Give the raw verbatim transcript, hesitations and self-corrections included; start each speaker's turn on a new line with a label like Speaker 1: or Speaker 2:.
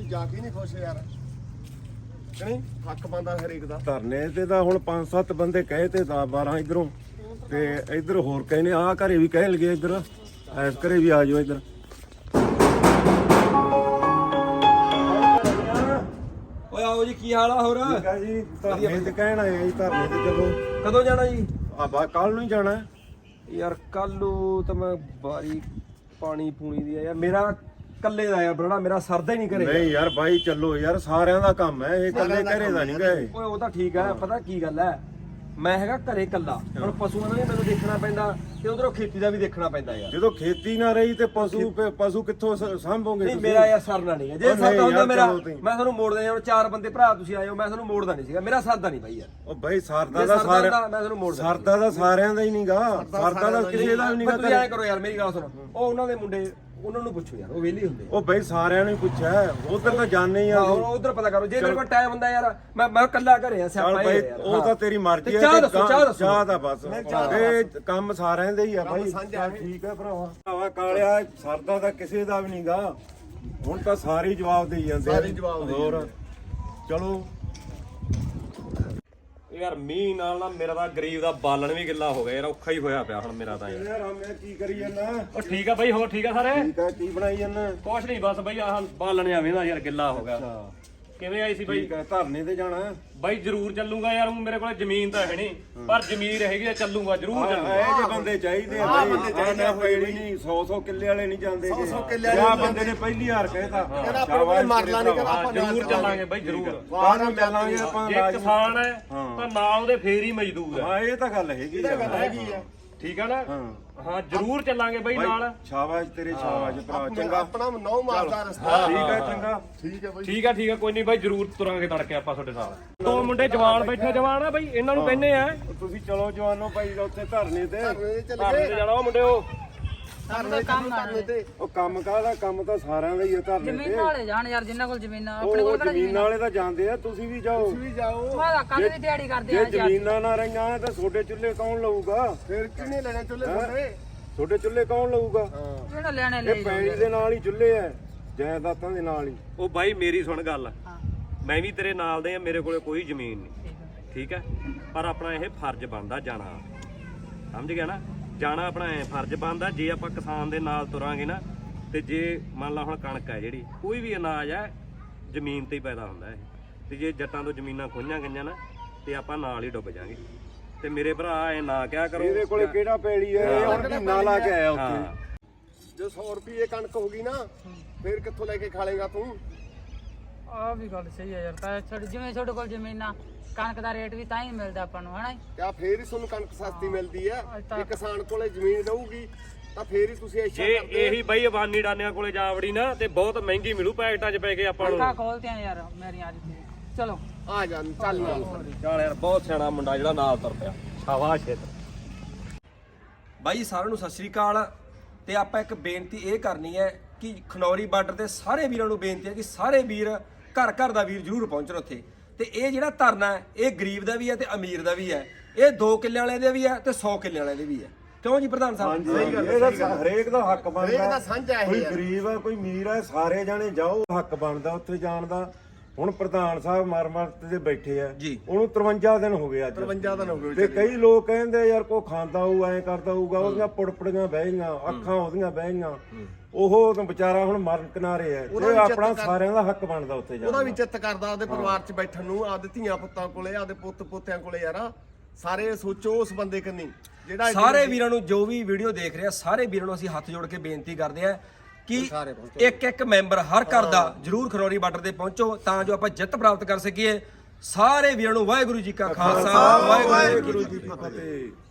Speaker 1: ਕੋਈ ਜਾ ਕੇ ਨਹੀਂ ਖੁਸ਼ ਯਾਰ ਕਿ ਨਹੀਂ ਹੱਕ ਬੰਦਾ ਹਰੇਕ ਦਾ
Speaker 2: ਧਰਨੇ ਤੇ ਤਾਂ ਹੁਣ ਪੰਜ ਸੱਤ ਬੰਦੇ ਕਹੇ ਤੇ ਤਾਂ ਬਾਰਾਂ ਇਧਰੋਂ ਤੇ ਇਧਰ ਹੋਰ ਕਹੇ ਨੇ ਆਹ ਘਰੇ ਵੀ ਕਹਿ ਲਗੇ ਇਧਰ ਐਸ ਘਰੇ ਵੀ ਆ ਜਾਓ ਇਧਰ
Speaker 3: ਓਏ ਆਓ ਜੀ ਕੀ ਹਾਲ ਆ ਹੋਰ
Speaker 2: ਠੀਕ ਆ ਜੀ ਧਰਨੇ ਤੇ ਕਹਿਣ ਆਏ ਜੀ ਧਰਨੇ ਤੇ ਚਲੋ
Speaker 3: ਕਦੋਂ ਜਾਣਾ ਜੀ
Speaker 2: ਆ ਬਾ ਕੱਲ ਨੂੰ ਹੀ ਜਾਣਾ
Speaker 3: ਯਾਰ ਕੱਲ ਨੂੰ ਤਾਂ ਮੈਂ ਬਾਰੀ ਪਾਣੀ ਪੂਣੀ ਦੀ ਆ ਯਾਰ ਮੇਰਾ ਕੱਲੇ ਦਾ ਯਾਰ ਬੜਾ ਮੇਰਾ ਸਰਦਾ ਹੀ ਨਹੀਂ ਕਰੇ
Speaker 2: ਨਹੀਂ ਯਾਰ ਬਾਈ ਚੱਲੋ ਯਾਰ ਸਾਰਿਆਂ ਦਾ ਕੰਮ ਹੈ ਇਹ ਇਕੱਲੇ ਘਰੇ ਦਾ ਨਹੀਂ ਗਏ
Speaker 3: ਓਏ ਉਹ ਤਾਂ ਠੀਕ ਹੈ ਪਤਾ ਕੀ ਗੱਲ ਹੈ ਮੈਂ ਹੈਗਾ ਘਰੇ ਕੱਲਾ ਹੁਣ ਪਸ਼ੂਆਂ ਦਾ ਵੀ ਮੈਨੂੰ ਦੇਖਣਾ ਪੈਂਦਾ ਤੇ ਉਧਰੋਂ ਖੇਤੀ ਦਾ ਵੀ ਦੇਖਣਾ ਪੈਂਦਾ ਯਾਰ
Speaker 2: ਜਦੋਂ ਖੇਤੀ ਨਾ ਰਹੀ ਤੇ ਪਸ਼ੂ ਪਸ਼ੂ ਕਿੱਥੋਂ ਸ- ਸਾਂਭੋਗੇ
Speaker 3: ਨਹੀਂ
Speaker 2: ਤੁਸੀਂ?
Speaker 3: ਮੇਰਾ ਯਾਰ ਸਰਨਾ ਨਹੀਂ ਜੇ
Speaker 2: ਉਹ ਨਹੀਂ
Speaker 3: ਸਰਦਾ ਹੁੰਦਾ
Speaker 2: ਯਾਰ,
Speaker 3: ਮੇਰਾ
Speaker 2: ਚਲੋ ਤੁਸੀਂ।
Speaker 3: ਮੈਂ ਤੁਹਾਨੂੰ ਮੋੜ ਦਿੰਦਾ ਹੁਣ ਚਾਰ ਬੰਦੇ ਭਰਾ ਤੁਸੀਂ ਆਏ ਹੋ ਮੈਂ ਤੁਹਾਨੂੰ ਮੋੜਦਾ ਨਹੀਂ ਸੀਗਾ ਮੇਰਾ ਸਰਦਾ ਨਹੀਂ ਬਾਈ ਯਾਰ
Speaker 2: ਉਹ ਬਾਈ ਸਰਦਾ
Speaker 3: ਜੇ
Speaker 2: ਦਾ
Speaker 3: ਸਰਦਾ
Speaker 2: ਸਾਰਿਆਂ
Speaker 3: ਹੁੰਦਾ, ਮੈਂ ਤੁਹਾਨੂੰ ਮੋੜ ਦਿੰਦਾ
Speaker 2: ਸਰਦਾ ਦਾ ਸਾਰਿਆਂ ਦਾ ਹੀ ਨਹੀਂਗਾ ਸਰਦਾ ਦਾ ਕਿਸੇ ਦਾ ਵੀ
Speaker 3: ਪਰ ਤੁਸੀਂ ਐਂ
Speaker 2: ਨਹੀਂਗਾ
Speaker 3: ਕਰੋ ਯਾਰ ਮੇਰੀ ਗੱਲ ਸੁਣੋ ਉਹ ਉਹਨਾਂ ਦੇ ਮੁੰਡੇ ਉਹਨਾਂ ਨੂੰ ਪੁੱਛੋ ਯਾਰ ਉਹ ਵਿਹਲੇ ਹੁੰਦੇ
Speaker 2: ਉਹ ਬਾਈ ਸਾਰਿਆਂ ਨੂੰ ਹੀ ਪੁੱਛਿਆ ਉਧਰ ਤਾਂ ਜਾਣੇ ਹੀ ਆ
Speaker 3: ਆਹੋ ਉਧਰ ਪਤਾ ਕਰੋ ਜੇ ਮੇਰੇ ਕੋਲ ਟਾਈਮ ਹੁੰਦਾ ਯਾਰ ਮੈਂ ਮੈਂ ਕੱਲਾ ਘਰੇ ਆ
Speaker 2: ਚੱਲ
Speaker 3: ਸਿਆਪਾ
Speaker 2: ਬਾਈ
Speaker 3: ਹੀ ਯਾਰ
Speaker 2: ਉਹ ਤਾਂ ਤੇਰੀ ਮਰਜ਼ੀ
Speaker 3: ਤੇ
Speaker 2: ਹੈ
Speaker 3: ਚਾਹ
Speaker 2: ਤੇ
Speaker 3: ਦੱਸੋ, ਚਾਹ ਦੱਸੋ।
Speaker 2: ਚਾਹ ਦਾ ਬਸ
Speaker 1: ਚਾਹ
Speaker 2: ਇਹ ਕੰਮ ਸਾਰਿਆਂ ਦੇ ਹੀ ਆ ਬਾਈ
Speaker 1: ਸਾਂਝਾ
Speaker 2: ਚੱਲ ਠੀਕ ਹੈ ਭਰਾਵਾ ਭਰਾਵਾ ਕਾਲਿਆ ਸਰਦਾ ਤਾਂ ਕਿਸੇ ਦਾ ਵੀ ਨਹੀਂਗਾ ਹੁਣ ਤਾਂ ਸਾਰੇ ਹੀ ਜਵਾਬ ਦੇਈ ਜਾਂਦੇ ਆ।
Speaker 1: ਸਾਰੇ ਹੀ ਜਵਾਬ ਦੇਈ
Speaker 2: ਹੋਰ ਚਲੋ
Speaker 4: ਯਾਰ ਮੀਂਹ ਨਾਲ ਨਾ ਮੇਰਾ ਤਾਂ ਗਰੀਬ ਦਾ ਬਾਲਣ ਵੀ ਗਿੱਲਾ ਹੋ ਗਿਆ ਯਾਰ ਔਖਾ ਹੀ ਹੋਇਆ ਪਿਆ ਹੁਣ ਮੇਰਾ ਤਾਂ ਯਾਰ
Speaker 2: ਯਾਰ ਆ ਮੈਂ ਕੀ ਕਰੀ ਜਾਂਦਾ
Speaker 4: ਉਹ ਠੀਕ ਆ ਬਾਈ ਹੋਰ ਠੀਕ ਆ ਸਾਰੇ
Speaker 2: ਠੀਕ ਆ ਕੀ ਬਣਾਈ ਜਾਂਦਾ
Speaker 4: ਕੁਛ ਨਹੀਂ ਬਸ ਬਾਈ ਆਹ ਬਾਲਣ ਜਾਵੇਂ ਦਾ ਯਾਰ ਗਿੱਲਾ ਹੋ ਗਿਆ
Speaker 2: ਅੱਛਾ
Speaker 4: ਕਿਵੇਂ ਆਈ ਸੀ ਬਾਈ
Speaker 2: ਠੀਕ ਆ ਧਰਨੇ ਤੇ ਜਾਣਾ
Speaker 4: ਬਾਈ ਜ਼ਰੂਰ ਚੱਲੂਗਾ ਯਾਰ ਹੁਣ ਮੇਰੇ ਕੋਲ ਜ਼ਮੀਨ ਤਾਂ ਹੈ ਨਹੀਂ ਪਰ ਜ਼ਮੀਨ ਰਹੇਗੀ ਤਾਂ ਚੱਲੂਗਾ ਜ਼ਰੂਰ ਚੱਲੂਗਾ
Speaker 2: ਇਹ ਜੇ ਬੰਦੇ ਚਾਹੀਦੇ ਆ ਬਾਈ ਬੰਦੇ ਚਾਹੀਦੇ ਨਹੀਂ ਸੌ ਸੌ ਕਿੱਲੇ ਵਾਲੇ ਨਹੀਂ ਜਾਂਦੇ
Speaker 1: ਸੌ ਸੌ ਕਿੱਲੇ
Speaker 2: ਆ
Speaker 1: ਵਾਲੇ
Speaker 2: ਬੰਦੇ ਨੇ ਪਹਿਲੀ ਹਾਰ ਕਹਿਤਾ
Speaker 1: ਕਹਿੰਦਾ ਆਪਣੇ ਕੋਲ ਮਰਲਾ ਨਹੀਂ ਕਹਿੰਦਾ ਆਪਾਂ
Speaker 4: ਜ਼ਰੂਰ ਚੱਲਾਂਗੇ ਬਾਈ ਜ਼ਰੂਰ
Speaker 2: ਬਾਹਰ ਚੱਲਾਂਗੇ ਆਪਾਂ
Speaker 4: ਜੇ ਕਿਸਾਨ ਹੈ ਤਾਂ ਨਾਲ ਉਹਦੇ ਫੇਰ ਹੀ ਮਜ਼ਦੂਰ ਹੈ
Speaker 2: ਹਾਂ ਇਹ ਤਾਂ ਗੱਲ ਹੈਗੀ ਆ
Speaker 1: ਹੈਗੀ ਆ
Speaker 4: ਠੀਕ ਆ ਨਾ
Speaker 2: ਹਾਂ
Speaker 4: ਹਾਂ ਜ਼ਰੂਰ ਚੱਲਾਂਗੇ ਬਾਈ ਨਾਲ
Speaker 2: ਸ਼ਾਬਾਸ਼ ਤੇਰੇ ਸ਼ਾਬਾਸ਼ ਭਰਾ ਚੰਗਾ
Speaker 1: ਆਪਣਾ ਨੌ ਮਾਰਦਾ ਰਸਤਾ
Speaker 2: ਠੀਕ ਹੈ ਚੰਗਾ
Speaker 1: ਠੀਕ ਹੈ ਬਾਈ
Speaker 4: ਠੀਕ ਆ ਠੀਕ ਆ ਕੋਈ ਨਹੀਂ ਬਾਈ ਜ਼ਰੂਰ ਤੁਰਾਂਗੇ ਤੜਕੇ ਆਪਾਂ ਤੁਹਾਡੇ ਨਾਲ ਦੋ ਮੁੰਡੇ ਜਵਾਨ ਬੈਠੇ ਜਵਾਨ ਆ ਬਾਈ ਇਹਨਾਂ ਨੂੰ ਕਹਿੰਦੇ ਆ
Speaker 2: ਤੁਸੀਂ ਚਲੋ ਜਵਾਨੋ ਭਾਈ ਉੱਥੇ ਧਰਨੇ ਤੇ
Speaker 1: ਚੱਲ
Speaker 4: ਧਰਨੇ ਤੇ ਜਾਣਾ ਉਹ ਮੁੰਡਿਓ
Speaker 1: ਧਰਨੇ ਕੰਮ ਕਰਨੇ ਤੇ
Speaker 2: ਉਹ ਕੰਮ ਕਾਹਦਾ ਕੰਮ ਤਾਂ ਸਾਰਿਆਂ ਦਾ ਹੀ ਹੈ ਧਰਨੇ
Speaker 5: ਜ਼ਮੀਨ
Speaker 2: ਤੇ
Speaker 5: ਵਾਲੇ ਜਾਣ ਯਾਰ ਜਿੰਨਾਂ ਕੋਲ ਜ਼ਮੀਨਾਂ ਆਪਣੇ
Speaker 2: ਉਹ
Speaker 5: ਕੋਲ ਕਿਹੜਾ
Speaker 2: ਜ਼ਮੀਨ ਵਾਲੇ ਤਾਂ ਜਾਂਦੇ ਆ ਤੁਸੀਂ ਵੀ ਜਾਓ
Speaker 1: ਵੀ ਜਾਓ
Speaker 5: ਮਾਦਾ ਕੱਲ ਦੀ ਦਿਹਾੜੀ ਕਰਦੇ
Speaker 2: ਜੇ
Speaker 5: ਆ ਯਾਰ
Speaker 2: ਜ਼ਮੀਨਾਂ ਨਾ ਰਹੀਆਂ ਤਾਂ ਤੁਹਾਡੇ ਚੁੱਲ੍ਹੇ ਕੌਣ ਲਊਗਾ
Speaker 1: ਫਿਰ ਕਿੰਨੇ ਲੈਣੇ ਚੁੱਲੇ ਤੁਹਾਡੇ
Speaker 2: ਤੁਹਾਡੇ ਚੁੱਲ੍ਹੇ ਕੌਣ ਲਊਗਾ
Speaker 5: ਜਿਹੜਾ ਲੈਣੇ ਲੈ
Speaker 2: ਇਹ ਪੈਣੀ ਦੇ ਨਾਲ ਹੀ ਚੁੱਲ੍ਹੇ ਐ ਜਾਇਦਾਦਾਂ ਦੇ ਨਾਲ ਹੀ
Speaker 4: ਉਹ ਬਾਈ ਮੇਰੀ ਸੁਣ ਗੱਲ ਮੈਂ ਵੀ ਤੇਰੇ ਨਾਲ ਦੇ ਆ ਮੇਰੇ ਕੋਲੇ ਕੋਈ ਜ਼ਮੀਨ ਨਹੀਂ ਠੀਕ ਹੈ ਪਰ ਆਪਣਾ ਇਹ ਫਰਜ਼ ਬਣਦਾ ਜਾਣਾ ਸਮਝ ਗਿਆ ਨਾ ਜਾਣਾ ਆਪਣਾ ਐ ਫਰਜ਼ ਬਣਦਾ ਜੇ ਆਪਾਂ ਕਿਸਾਨ ਦੇ ਨਾਲ ਤੁਰਾਂਗੇ ਨਾ ਤੇ ਜੇ ਮੰਨ ਲਾ ਹੁਣ ਕਣਕ ਹੈ ਜਿਹੜੀ ਕੋਈ ਵੀ ਅਨਾਜ ਹੈ ਜ਼ਮੀਨ ਤੇ ਹੀ ਪੈਦਾ ਹੁੰਦਾ ਹੈ ਤੇ ਜੇ ਜੱਟਾਂ ਤੋਂ ਜ਼ਮੀਨਾਂ ਖੋਈਆਂ ਗਈਆਂ ਨਾ ਤੇ ਆਪਾਂ ਨਾਲ ਹੀ ਡੁੱਬ ਜਾਾਂਗੇ ਤੇ ਮੇਰੇ ਭਰਾ ਐ ਨਾ ਕਿਹਾ ਕਰੋ
Speaker 2: ਇਹਦੇ ਕੋਲੇ ਕਿਹੜਾ ਪੈਲੀ ਐ ਇਹ ਹੁਣ ਮਹੀਨਾ ਲਾ ਕੇ ਆਇਆ ਉੱਥੇ
Speaker 4: ਹਾਂ
Speaker 1: ਜੇ ਸੌ ਰੁਪਏ ਕਣਕ ਹੋ ਗਈ ਨਾ ਫਿਰ ਕਿੱਥੋਂ ਲੈ ਕੇ ਖਾ ਲੇਗਾ ਤੂੰ
Speaker 5: ਆ ਵੀ ਗੱਲ ਸਹੀ ਹੈ ਯਾਰ ਤਾਂ ਛੱਡ ਜਿਵੇਂ ਤੁਹਾਡੇ ਕੋਲ ਜ਼ਮੀਨਾਂ ਕਣਕ ਦਾ ਰੇਟ ਵੀ ਤਾਂ ਹੀ ਮਿਲਦਾ ਆਪਾਂ ਨੂੰ ਹਨਾ
Speaker 1: ਕਿਆ ਫੇਰ ਹੀ ਤੁਹਾਨੂੰ ਕਣਕ ਸਸਤੀ ਮਿਲਦੀ ਆ ਜੇ ਕਿਸਾਨ ਕੋਲੇ ਜ਼ਮੀਨ ਰਹੂਗੀ ਤਾਂ ਫੇਰ ਹੀ ਤੁਸੀਂ ਐਸ਼ਾ
Speaker 4: ਜੇ
Speaker 1: ਕਰਦੇ
Speaker 4: ਇਹੀ ਬਾਈ ਅਬਾਨੀ ਡਾਨਿਆਂ ਕੋਲੇ ਜਾ ਵੜੀ ਨਾ ਤੇ ਬਹੁਤ ਮਹਿੰਗੀ ਮਿਲੂ ਪੈਕਟਾਂ 'ਚ ਪੈ ਕੇ ਆਪਾਂ ਨੂੰ
Speaker 5: ਅੱਖਾਂ ਖੋਲਤੇ ਆ ਯਾਰ ਮੇਰੀਆਂ ਅੱਜ ਤੇ ਚਲੋ
Speaker 1: ਆ ਜਾ ਚੱਲ ਨਾਲ
Speaker 4: ਚੱਲ ਯਾਰ ਬਹੁਤ ਸਿਆਣਾ ਮੁੰਡਾ ਜਿਹੜਾ ਨਾਲ ਤੁਰ ਪਿਆ ਸ਼ਾਬਾਸ਼ ਏ
Speaker 3: ਬਾਈ ਸਾਰਿਆਂ ਨੂੰ ਸਤਿ ਸ੍ਰੀ ਅਕਾਲ ਤੇ ਆਪਾਂ ਇੱਕ ਬੇਨਤੀ ਇਹ ਕਰਨੀ ਹੈ ਕਿ ਖਨੌਰੀ ਬਾਰਡਰ ਤੇ ਸਾਰੇ ਵੀਰਾਂ ਨੂੰ ਬੇਨਤੀ ਹੈ ਕਿ ਸਾਰੇ ਵੀਰ ਘਰ ਘਰ ਦਾ ਵੀਰ ਜ਼ਰੂਰ ਪਹੁੰਚਣ ਉੱਥੇ ਤੇ ਇਹ ਜਿਹੜਾ ਧਰਨਾ ਹੈ ਇਹ ਗਰੀਬ ਦਾ ਵੀ ਹੈ ਤੇ ਅਮੀਰ ਦਾ ਵੀ ਹੈ ਇਹ ਦੋ ਕਿੱਲੇ ਵਾਲੇ ਦੇ ਵੀ ਹੈ ਤੇ ਸੌ ਕਿੱਲੇ ਵਾਲੇ ਦੇ ਵੀ ਹੈ ਕਿਉਂ ਜੀ ਪ੍ਰਧਾਨ ਸਾਹਿਬ
Speaker 2: ਇਹਦਾ ਹਰੇਕ ਦਾ ਹੱਕ ਬਣਦਾ
Speaker 1: ਹਰੇਕ ਦਾ ਸਾਂਝਾ ਇਹ
Speaker 2: ਕੋਈ
Speaker 1: ਹੈ।
Speaker 2: ਗਰੀਬ ਆ ਕੋਈ ਅਮੀਰ ਆ ਸਾਰੇ ਜਾਣੇ ਜਾਓ ਹੱਕ ਬਣਦਾ ਉੱਥੇ ਜਾਣ ਦਾ ਹੁਣ ਪ੍ਰਧਾਨ ਸਾਹਿਬ ਮਰ ਮਰ ਤੇ ਬੈਠੇ ਆ
Speaker 3: ਜੀ।
Speaker 2: ਉਹਨੂੰ ਤਰਵੰਜਾ ਦਿਨ ਹੋ ਗਏ ਅੱਜ
Speaker 1: ਤਰਵੰਜਾ ਦਿਨ ਹੋ ਗਏ
Speaker 2: ਤੇ ਕਈ ਲੋਕ ਕਹਿੰਦੇ ਯਾਰ ਕੋ ਖਾਂਦਾ ਹੋਊ ਐਂ ਕਰਦਾ ਹੋਊਗਾ ਉਹਦੀਆਂ ਪੁੜਪੜੀਆਂ ਬਹਿ ਗਈਆਂ ਅੱਖਾਂ ਉਹਦੀਆਂ ਬਹਿ ਗਈਆਂ ਉਹ ਤਾਂ ਵਿਚਾਰਾ ਹੁਣ ਮਰਨ ਕਿਨਾਰੇ ਆ
Speaker 1: ਉਹਦਾ
Speaker 2: ਤੇ
Speaker 1: ਵੀ
Speaker 2: ਆਪਣਾ
Speaker 1: ਚਿੱਤ ਕਰ-
Speaker 2: ਸਾਰਿਆਂ ਦਾ ਹੱਕ ਬਣਦਾ ਉੱਥੇ ਜਾਣ
Speaker 1: ਉਹਦਾ
Speaker 2: ਦਾ
Speaker 1: ਵੀ ਚਿੱਤ ਕਰਦਾ ਉਹਦੇ ਪਰਿਵਾਰ 'ਚ ਬੈਠਣ ਨੂੰ ਆਪਦੇ ਧੀਆਂ ਪੁੱਤਾਂ ਕੋਲੇ ਆਪਦੇ ਪੁੱਤ ਪੋਤਿਆਂ ਕੋਲੇ ਯਾਰ ਸਾਰੇ ਸੋਚੋ ਉਸ ਬੰਦੇ ਕੰਨੀ ਜਿਹੜਾ
Speaker 3: ਸਾਰੇ ਵੀਰਾਂ ਨੂੰ ਜੋ ਵੀ ਵੀਡੀਓ ਦੇਖ ਰਿਹਾ ਸਾਰੇ ਵੀਰਾਂ ਨੂੰ ਅਸੀਂ ਹੱਥ ਜੋੜ ਕੇ ਬੇਨਤੀ ਕਰਦੇ ਹਾਂ ਕਿ ਇੱਕ ਇੱਕ ਮੈਂਬਰ ਹਰ ਘਰ ਦਾ ਜਰੂਰ ਖਨੌਰੀ ਬਾਰਡਰ ਤੇ ਪਹੁੰਚੋ ਤਾਂ ਜੋ ਆਪਾਂ ਜਿੱਤ ਪ੍ਰਾਪਤ ਕਰ ਸਕੀਏ ਸਾਰੇ ਵੀਰਾਂ ਨੂੰ ਵਾਹਿਗੁਰੂ ਜੀ ਕਾ ਖਾਲਸਾ ਵਾਹਿਗੁਰੂ ਜੀ ਕੀ ਫਤਿਹ।